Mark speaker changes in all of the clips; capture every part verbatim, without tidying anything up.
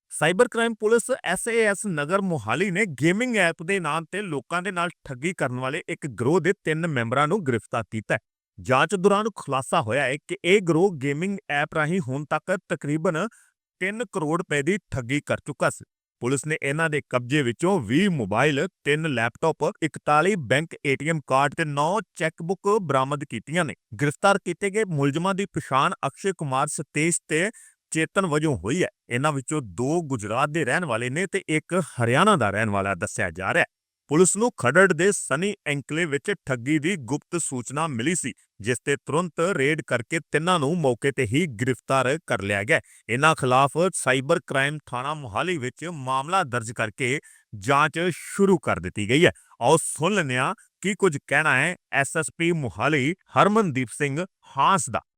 Speaker 1: Cyber crime police S A S Nagar Mohali ਨੇ gaming app ਦੇ ਨਾਮ ਤੇ ਲੋਕਾਂ ਦੇ ਨਾਲ ਠੱਗੀ ਕਰਨ ਵਾਲੇ ਇੱਕ ਗਰੋਹ ਦੇ ਤਿੰਨ ਮੈਂਬਰਾਂ ਨੂੰ ਗ੍ਰਿਫਤਾਰ ਕੀਤਾ ਹੈ। ਜਾਂਚ ਦੌਰਾਨ ਖੁਲਾਸਾ ਹੋਇਆ ਹੈ ਕਿ ਇਹ ਗਰੋਹ ਗੇਮਿੰਗ ਐਪ ਰਾਹੀਂ ਹੁਣ ਤੱਕ ਤਕਰੀਬਨ ਤਿੰਨ ਕਰੋੜ ਰੁਪਏ ਦੀ ਠੱਗੀ ਕਰ ਚੁੱਕਾ ਸੀ। ਪੁਲਿਸ ਨੇ ਇਹਨਾਂ ਦੇ ਕਬਜ਼ੇ ਵਿੱਚੋਂ ਵੀਹ ਮੋਬਾਈਲ, ਤਿੰਨ ਲੈਪਟਾਪ, ਇਕਤਾਲੀ bank A T M card ਤੇ ਨੌ ਚੈੱਕਬੁੱਕ ਬਰਾਮਦ ਕੀਤੀਆਂ ਨੇ। ਗ੍ਰਿਫਤਾਰ ਕੀਤੇ ਗਏ ਮੁਲਜ਼ਮਾਂ ਦੀ ਪਛਾਣ ਅਕਸ਼ੇ ਕੁਮਾਰ, ਸਤੇਸ਼ ਤੇ ਚੇਤਨ ਵਜੋਂ ਹੋਈ ਹੈ। ਇਹਨਾਂ ਵਿੱਚੋਂ ਦੋ ਗੁਜਰਾਤ ਦੇ ਰਹਿਣ ਵਾਲੇ ਨੇ ਤੇ ਇੱਕ ਹਰਿਆਣਾ ਦਾ ਰਹਿਣ ਵਾਲਾ ਦੱਸਿਆ ਜਾ ਰਿਹਾ ਹੈ। ਪੁਲਿਸ ਨੂੰ ਖਰੜ ਦੇ ਸਨੀ ਐਂਕਲੇ ਵਿੱਚ ਠੱਗੀ ਦੀ ਗੁਪਤ ਸੂਚਨਾ ਮਿਲੀ ਸੀ, ਜਿਸ ਤੇ ਤੁਰੰਤ ਰੇਡ ਕਰਕੇ ਤਿੰਨਾਂ ਨੂੰ ਮੌਕੇ ਤੇ ਹੀ ਗ੍ਰਿਫਤਾਰ ਕਰ ਲਿਆ ਗਿਆ। ਇਹਨਾਂ ਖਿਲਾਫ ਸਾਈਬਰ ਕ੍ਰਾਈਮ ਥਾਣਾ ਮੋਹਾਲੀ ਵਿੱਚ ਮਾਮਲਾ ਦਰਜ ਕਰਕੇ ਜਾਂਚ ਸ਼ੁਰੂ ਕਰ ਦਿੱਤੀ ਗਈ ਹੈ। ਆਓ ਸੁਣ ਲੈਂਦੇ ਹਾਂ ਕੀ ਕੁਝ ਕਹਿਣਾ ਹੈ S S P Mohali Harmandeep Singh Hans ਦਾ।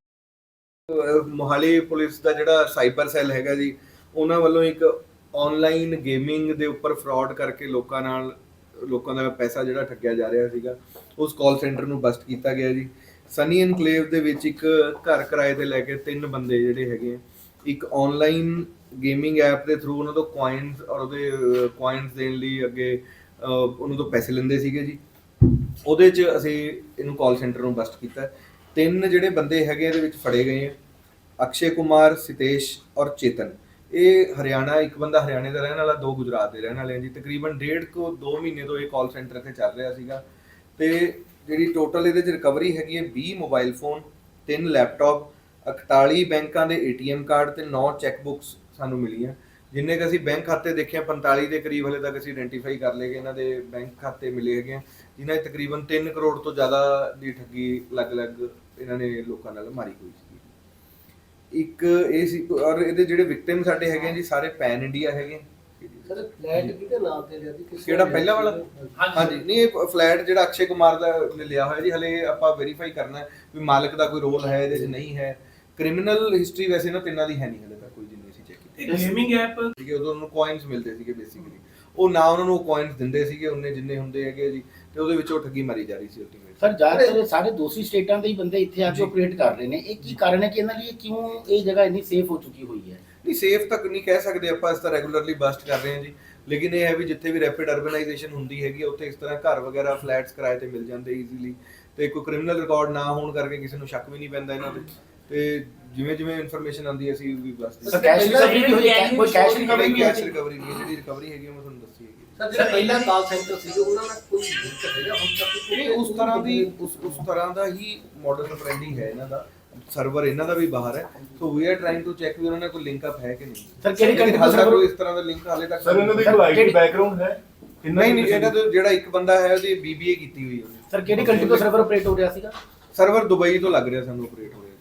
Speaker 2: ਮੋਹਾਲੀ ਪੁਲਿਸ ਦਾ ਜਿਹੜਾ ਸਾਈਬਰ ਸੈੱਲ ਹੈਗਾ ਜੀ, ਉਹਨਾਂ ਵੱਲੋਂ ਇੱਕ ਆਨਲਾਈਨ ਗੇਮਿੰਗ ਦੇ ਉੱਪਰ ਫਰਾਡ ਕਰਕੇ ਲੋਕਾਂ ਨਾਲ ਲੋਕਾਂ ਦਾ ਪੈਸਾ ਜਿਹੜਾ ਠੱਗਿਆ ਜਾ ਰਿਹਾ ਸੀਗਾ, ਉਸ ਕਾਲ ਸੈਂਟਰ ਨੂੰ ਬਸਟ ਕੀਤਾ ਗਿਆ ਜੀ। ਸਨੀ ਐਨਕਲੇਵ ਦੇ ਵਿੱਚ ਇੱਕ ਘਰ ਕਿਰਾਏ ਤੇ ਲੈ ਕੇ ਤਿੰਨ ਬੰਦੇ ਜਿਹੜੇ ਹੈਗੇ, ਇੱਕ ਆਨਲਾਈਨ ਗੇਮਿੰਗ ਐਪ ਦੇ ਥਰੂ ਉਹਨਾਂ ਤੋਂ ਕੁਆਇਨਸ ਔਰ ਉਹਦੇ ਕੁਆਇਨਸ ਦੇਣ ਲਈ ਅੱਗੇ ਉਹਨਾਂ ਤੋਂ ਪੈਸੇ ਲੈਂਦੇ ਸੀਗੇ ਜੀ। ਉਹਦੇ 'ਚ ਅਸੀਂ ਇਹਨੂੰ ਕਾਲ ਸੈਂਟਰ ਨੂੰ ਬਸਟ ਕੀਤਾ। ਤਿੰਨ ਜਿਹੜੇ ਬੰਦੇ ਹੈਗੇ ਇਹਦੇ ਵਿੱਚ ਫੜੇ ਗਏ ਆ, ਅਕਸ਼ੇ ਕੁਮਾਰ, ਸਿਤੇਸ਼ ਔਰ ਚੇਤਨ। ਇਹ ਹਰਿਆਣਾ, ਇੱਕ ਬੰਦਾ ਹਰਿਆਣੇ ਦਾ ਰਹਿਣ ਵਾਲਾ, ਦੋ ਗੁਜਰਾਤ ਦੇ ਰਹਿਣ ਵਾਲੇ ਆ ਜੀ। ਤਕਰੀਬਨ ਡੇਢ ਕੁ ਦੋ ਮਹੀਨੇ ਤੋਂ ਇਹ ਕਾਲ ਸੈਂਟਰ ਇੱਥੇ ਚੱਲ ਰਿਹਾ ਸੀਗਾ ਤੇ ਜਿਹੜੀ ਟੋਟਲ ਇਹਦੇ 'ਚ ਰਿਕਵਰੀ ਹੈਗੀ ਹੈ ਵੀਹ ਮੋਬਾਈਲ ਫੋਨ, ਤਿੰਨ ਲੈਪਟਾਪ, ਇਕਤਾਲੀ ਬੈਂਕਾਂ ਦੇ ਏ ਟੀ ਐਮ ਕਾਰਡ ਤੇ ਨੌ ਚੈੱਕ ਬੁੱਕਸ ਸਾਨੂੰ ਮਿਲੀਆਂ। ਜਿੰਨੇ ਕੁ ਅਸੀਂ ਬੈਂਕ ਖਾਤੇ ਦੇਖੇ ਪੰਤਾਲੀ ਦੇ ਕਰੀਬ ਹਲੇ ਤੱਕ ਅਸੀਂ ਆਇਡੈਂਟੀਫਾਈ ਕਰ ਲਏ ਕਿ ਇਹਨਾਂ ਦੇ ਬੈਂਕ ਖਾਤੇ ਮਿਲੇ ਹੈਗੇ ਆ, ਜਿਨ੍ਹਾਂ 'ਚ ਤਕਰੀਬਨ ਤਿੰਨ ਕਰੋੜ ਤੋਂ ਜ਼ਿਆਦਾ ਦੀ ਠੱਗੀ ਅਲੱਗ-ਅਲੱਗ ਇਹਨਾਂ ਨੇ ਲੋਕਾਂ ਨਾਲ ਮਾਰੀ ਹੋਈ ਸੀ। ਇੱਕ ਇਹ ਸੀ ਔਰ ਇਹਦੇ ਜਿਹੜੇ ਵਿਕਟਿਮ ਸਾਡੇ ਹੈਗੇ ਜੀ ਸਾਰੇ ਪੈਨ ਇੰਡੀਆ ਹੈਗੇ।
Speaker 3: ਸਰ ਫਲੈਟ ਕਿਹਦੇ ਨਾਮ ਤੇ ਲਿਆ ਸੀ?
Speaker 2: ਕਿਹੜਾ ਪਹਿਲਾ ਵਾਲਾ? ਹਾਂਜੀ, ਨਹੀਂ ਇਹ ਫਲੈਟ ਜਿਹੜਾ ਅਕਸ਼ੇ ਕੁਮਾਰ ਦਾ ਲਿਆ ਹੋਇਆ ਜੀ। ਹਲੇ ਆਪਾਂ ਵੈਰੀਫਾਈ ਕਰਨਾ ਵੀ ਮਾਲਕ ਦਾ ਕੋਈ ਰੋਲ ਹੈ ਇਹਦੇ 'ਚ, ਨਹੀਂ ਹੈ। ਕ੍ਰਿਮੀਨਲ ਹਿਸਟਰੀ ਵੈਸੇ ਨਾ ਤਿੰਨਾਂ ਦੀ ਹੈ ਨਹੀਂ ਹਲੇ ਤੱਕ ਕੋਈ, ਜਿੰਨੀ ਅਸੀਂ ਚੈੱਕ ਕੀਤੀ।
Speaker 3: ਗੇਮਿੰਗ ਐਪ
Speaker 2: ਸੀਗੇ ਉਦੋਂ ਉਹਨੂੰ ਕੋਇਨਸ ਮਿਲਦੇ ਸੀਗੇ ਬੇਸਿਕਲੀ, ਉਹ ਨਾ ਉਹਨਾਂ ਨੂੰ ਕੋਇਨਸ ਦਿੰਦੇ ਸੀਗੇ ਉਹਨੇ ਜਿੰਨੇ ਹੁੰਦੇ ਹੈਗੇ ਜੀ, ਤੇ ਉਹਦੇ ਵਿੱਚ ਉਹ ਠੱਗੀ ਮਾਰੀ ਜਾ ਰਹੀ ਸੀ ਅਲਟੀਮੇਟ।
Speaker 4: ਸਰ ਜ਼ਿਆਦਾਤਰ ਸਾਰੇ ਦੋਸੀ ਸਟੇਟਾਂ ਦੇ ਹੀ ਬੰਦੇ ਇੱਥੇ ਆ ਕੇ ਆਪਰੇਟ ਕਰ ਰਹੇ ਨੇ, ਇਹ ਕੀ ਕਾਰਨ ਹੈ ਕਿ ਇਹਨਾਂ ਲਈ ਕਿਉਂ ਇਹ ਜਗ੍ਹਾ ਇੰਨੀ ਸੇਫ ਹੋ ਚੁੱਕੀ ਹੋਈ ਹੈ?
Speaker 2: ਨਹੀਂ, ਸੇਫ ਤੱਕ ਨਹੀਂ ਕਹਿ ਸਕਦੇ ਆਪਾਂ, ਇਸ ਤਰ੍ਹਾਂ ਰੈਗੂਲਰਲੀ ਬਸਟ ਕਰ ਰਹੇ ਹਾਂ ਜੀ। ਲੇਕਿਨ ਇਹ ਹੈ ਵੀ ਜਿੱਥੇ ਵੀ ਰੈਪਿਡ ਅਰਬਨਾਈਜੇਸ਼ਨ ਹੁੰਦੀ ਹੈਗੀ ਉੱਥੇ ਇਸ ਤਰ੍ਹਾਂ ਘਰ ਵਗੈਰਾ ਫਲੈਟਸ ਕਿਰਾਏ ਤੇ ਮਿਲ ਜਾਂਦੇ ਈਜ਼ੀਲੀ, ਤੇ ਕੋਈ ਕ੍ਰਿਮੀਨਲ ਰਿਕਾਰਡ ਨਾ ਹੋਣ ਕਰਕੇ ਕਿਸੇ ਨੂੰ ਸ਼ੱਕ ਵੀ ਨਹੀਂ ਪੈਂਦਾ ਇਹਨਾਂ ਤੇ। ਤੇ ਜਿਵੇਂ ਜਿਵੇਂ ਇਨਫੋਰਮੇਸ਼ਨ ਆਉਂਦੀ ਹੈ ਅਸੀਂ ਵੀ ਬਸਟ।
Speaker 4: ਸਰ ਕੈਸ਼ ਰਿਕਵਰੀ ਵੀ ਹੋਈ ਹੈ? ਕੋਈ ਕੈਸ਼ ਰਿਕਵਰੀ
Speaker 2: ਨਹੀਂ, ਕੈਸ਼ ਰਿਕਵਰੀ ਨਹੀਂ, ਜਿਹੜੀ ਰਿਕਵਰੀ ਹੈਗੀ ਮੈਂ ਤੁਹਾਨੂੰ ਦੱਸੀ ਹੈਗੀ।
Speaker 3: ਸਰ ਜਿਹੜਾ ਪਹਿਲਾ ਕਾਲ ਸੈਂਟਰ ਸੀ ਉਹਨਾਂ ਨਾਲ ਕੋਈ ਲਿੰਕ ਹੈਗਾ ਹੁਣ ਤੱਕ?
Speaker 2: ਨਹੀਂ, ਉਸ ਤਰ੍ਹਾਂ ਦੀ ਉਸ ਉਸ ਤਰ੍ਹਾਂ ਦਾ ਹੀ ਮਾਡਲ ਆਪਰੈਂਡੀ ਹੈ ਇਹਨਾਂ ਦਾ। ਸਰਵਰ ਇਹਨਾਂ ਦਾ ਵੀ ਬਾਹਰ ਹੈ, so we are trying to check ਵੀ ਉਹਨਾਂ ਨਾਲ ਕੋਈ ਲਿੰਕ ਅਪ ਹੈ ਕਿ ਨਹੀਂ।
Speaker 4: ਸਰ ਕਿਹੜੀ ਕੰਟਰੀ
Speaker 2: ਦਾ ਸਰਵਰ ਕੋਈ ਇਸ ਤਰ੍ਹਾਂ ਦਾ ਲਿੰਕ ਹਾਲੇ ਤੱਕ?
Speaker 5: ਸਰ ਇਹਨਾਂ ਦੀ ਕੋਈ ਆਈਟੀ ਬੈਕਗ੍ਰਾਉਂਡ ਹੈ?
Speaker 2: ਨਹੀਂ ਨਹੀਂ, ਇਹਨਾਂ ਦਾ ਜਿਹੜਾ ਇੱਕ ਬੰਦਾ ਹੈ ਉਹਦੀ ਬੀ ਬੀ ਏ ਕੀਤੀ ਹੋਈ ਹੈ।
Speaker 4: ਸਰ ਕਿਹੜੀ ਕੰਟਰੀ ਤੋਂ ਸਰਵਰ ਆਪਰੇਟ ਹੋ ਰਿਹਾ ਸੀਗਾ?
Speaker 2: ਸਰਵਰ ਦੁਬਈ ਤੋਂ ਲੱਗ ਰਿਹਾ ਸਾਨੂੰ ਆਪਰੇਟ ਹੋ ਰਿਹਾ।